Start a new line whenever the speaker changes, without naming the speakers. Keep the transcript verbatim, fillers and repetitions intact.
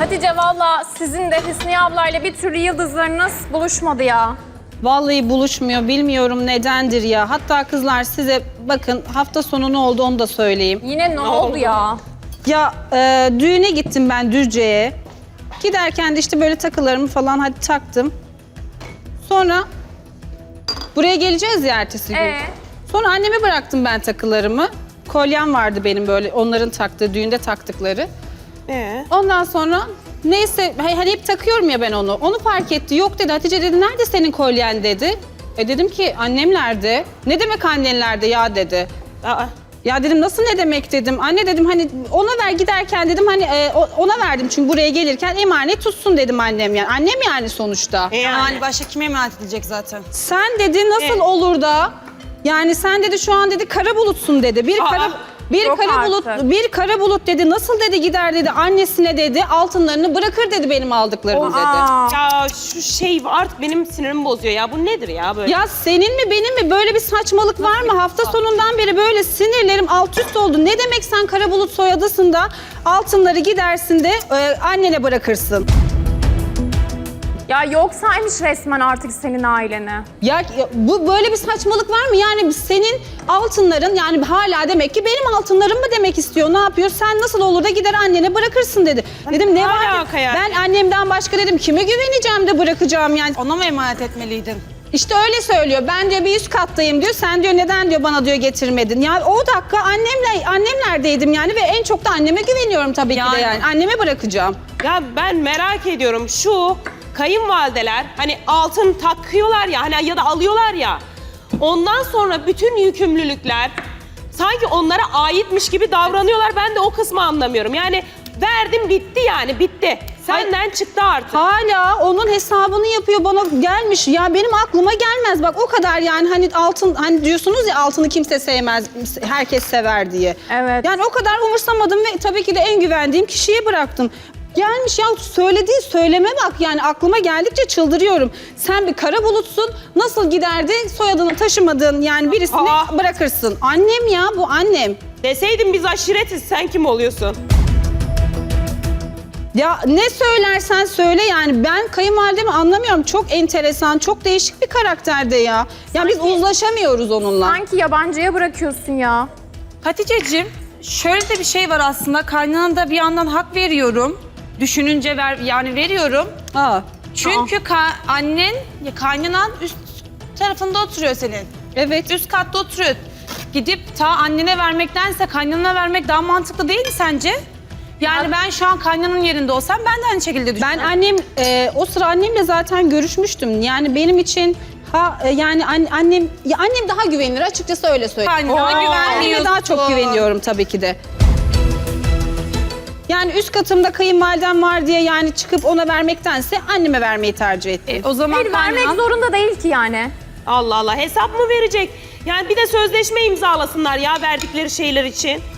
Hatice valla sizin de Hüsniye ablayla bir türlü yıldızlarınız buluşmadı ya.
Vallahi buluşmuyor. Bilmiyorum nedendir ya. Hatta kızlar size bakın hafta sonu ne oldu onu da söyleyeyim.
Yine ne, ne oldu, oldu ya?
Ya e, düğüne gittim ben Düzce'ye. Giderken de işte böyle takılarımı falan hadi taktım. Sonra buraya geleceğiz ya ertesi gün.
Ee?
Sonra anneme bıraktım ben takılarımı. Kolyem vardı benim böyle onların taktığı, düğünde taktıkları.
Ee?
Ondan sonra neyse hani hep takıyorum ya ben onu. Onu fark etti. Yok dedi Hatice dedi nerede senin kolyen dedi. E dedim ki annemlerde. Ne demek annenlerde ya dedi.
Aa.
Ya dedim nasıl ne demek dedim. Anne dedim hani ona ver giderken dedim hani e, ona verdim çünkü buraya gelirken emanet tutsun dedim annem yani. Annem yani sonuçta.
E yani.
Yani başka kime emanet edilecek zaten?
Sen dedi nasıl
E?
olur da yani sen dedi şu an dedi kara bulutsun dedi. Bir
Aa.
kara bir
Yok
kara
artık.
bulut bir kara bulut dedi. Nasıl dedi gider dedi annesine dedi altınlarını bırakır dedi benim aldıklarımı dedi.
Aa.
Ya şu şey artık benim sinirimi bozuyor ya. Bu nedir ya böyle?
Ya senin mi benim mi böyle bir saçmalık var mı? Hafta sonundan beri böyle sinirlerim alt üst oldu. Ne demek sen kara bulut soyadısın da altınları gidersin de e, annene bırakırsın?
Ya yoksaymış resmen artık senin aileni.
Ya, ya bu böyle bir saçmalık var mı? Yani senin altınların yani hala demek ki benim altınlarım mı demek istiyor? Ne yapıyor? Sen nasıl olur da gider annene bırakırsın dedi. Dedim ne var?
alaka yani?
Ben annemden başka dedim kime güveneceğim de bırakacağım yani.
Ona mı emanet etmeliydim?
İşte öyle söylüyor. Ben diyor bir üst kattayım diyor. Sen diyor neden diyor bana diyor getirmedin. Ya o dakika annemle annemlerdeydim yani ve en çok da anneme güveniyorum tabii ki de
Yani.
yani. Anneme bırakacağım.
Ya ben merak ediyorum şu kayınvalideler hani altın takıyorlar ya hani ya da alıyorlar ya. Ondan sonra bütün yükümlülükler sanki onlara aitmiş gibi davranıyorlar. Ben de o kısmı anlamıyorum. Yani verdim bitti yani bitti. Senden çıktı artık.
Hala onun hesabını yapıyor bana gelmiş. Ya benim aklıma gelmez bak o kadar yani hani altın hani diyorsunuz ya altını kimse sevmez herkes sever diye.
Evet.
Yani o kadar umursamadım ve tabii ki de en güvendiğim kişiye bıraktım. Gelmiş ya söylediği söyleme bak yani aklıma geldikçe çıldırıyorum. Sen bir kara bulutsun nasıl giderdi soyadını taşımadığın yani birisini
Aa.
bırakırsın. Annem ya bu annem.
Deseydin biz aşiretiz sen kim oluyorsun?
Ya ne söylersen söyle yani ben kayınvalidemi anlamıyorum. Çok enteresan, çok değişik bir karakterde ya. Ya biz uzlaşamıyoruz onunla.
Sanki yabancıya bırakıyorsun ya.
Hatice'cim şöyle de bir şey var aslında. Kaynana da bir yandan hak veriyorum. Düşününce ver, yani veriyorum.
Ha.
Çünkü ka- annen, ya kaynanan üst tarafında oturuyor senin.
Evet.
Üst katta oturuyor. Gidip ta annene vermektense kaynanana vermek daha mantıklı değil mi sence? Yani ben şu an kaynananın yerinde olsam ben de aynı şekilde
Ben
düşünürüm.
annem, e, o sıra annemle zaten görüşmüştüm. Yani benim için ha e, yani an- annem ya annem daha güvenilir açıkçası öyle söyleyeyim.
Kaynanana
Anneme
güvenmiyorsun.
daha çok güveniyorum tabii ki de. Yani üst katımda kayınvalidem var diye yani çıkıp ona vermektense anneme vermeyi tercih ettim.
E, o zaman
Hayır vermek
kaynanan...
zorunda değil ki yani.
Allah Allah hesap mı verecek? Yani bir de sözleşme imzalasınlar ya verdikleri şeyler için.